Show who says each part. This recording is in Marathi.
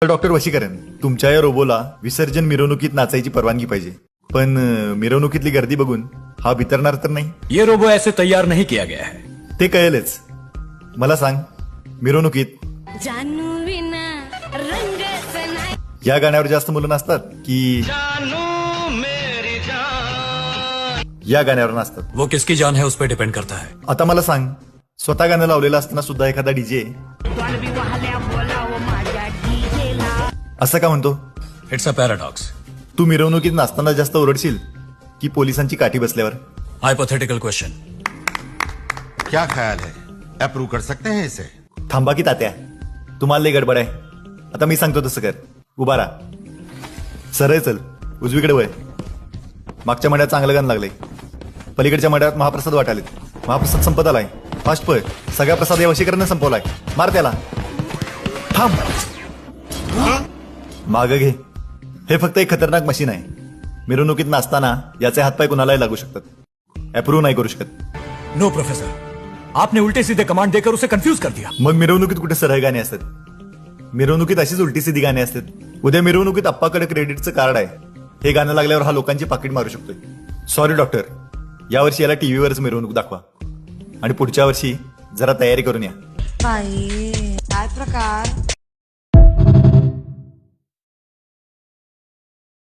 Speaker 1: डॉक्टर वशीकरण, तुमच्या या रोबोला विसर्जन मिरवणुकीत नाचायची परवानगी पाहिजे, पण मिरवणुकीतली गर्दी बघून हा बितरणार तर नाही?
Speaker 2: ये रोबो ऐसे तैयार नहीं किया गया है.
Speaker 1: ते कळेलच. मला सांग, मिरवणुकीत
Speaker 3: जानू विना रंगच नाही.
Speaker 1: या गाण्यावर जास्त मुलं नाचतात की या गाण्यावर नाचतात?
Speaker 2: वो किसकी जान है उस पर डिपेंड करता है.
Speaker 1: आता मला सांग, स्वतः गाणं लावलेलं असताना सुद्धा एखादा डीजे असं का म्हणतो?
Speaker 2: It's a paradox.
Speaker 1: तू मिरवणुकीत नाचताना जास्त ओरडशील की पोलिसांची काठी बसल्यावर?
Speaker 2: Hypothetical question.
Speaker 4: क्या ख्याल है, अप्रूव कर सकते हैं इसे?
Speaker 1: थांबा की तात्या, तुम्हाला लई गडबड आहे. आता मी सांगतो तसं कर. उभा राहा, सरळ चल, उजवीकडे वळ. मागच्या मड्यात चांगलं गाणं लागलंय, पलीकडच्या मड्यात महाप्रसाद वाटालेत. महाप्रसाद संपत आलाय, फास्ट पळ. सगळा प्रसाद या वशीकरणाने संपवलाय. मार त्याला. थांब, माग घे. हे फक्त एक खतरनाक मशीन आहे. मिरवणुकीत नाचताना याचे हातपाय कुणालाही लागू शकतात. अप्रूव्ह नाही करू शकत.
Speaker 2: नो प्रोफेसर, आपने उल्टे सीधे कमांड देकर उसे कंफ्यूज कर दिया.
Speaker 1: मग मिरवणुकीत कुठे सरळ गाणी असतात? मिरवणुकीत अशीच उलटी सीधी गाणी असतात. उद्या मिरवणुकीत आप्पाकडे क्रेडिटचं कार्ड आहे, हे गाणं लागल्यावर हा लोकांची पाकिट मारू शकतोय. सॉरी डॉक्टर, यावर्षी याला टीव्हीवरच मिरवणूक दाखवा आणि पुढच्या वर्षी जरा तयारी करून या.
Speaker 5: बाई काय प्रकार.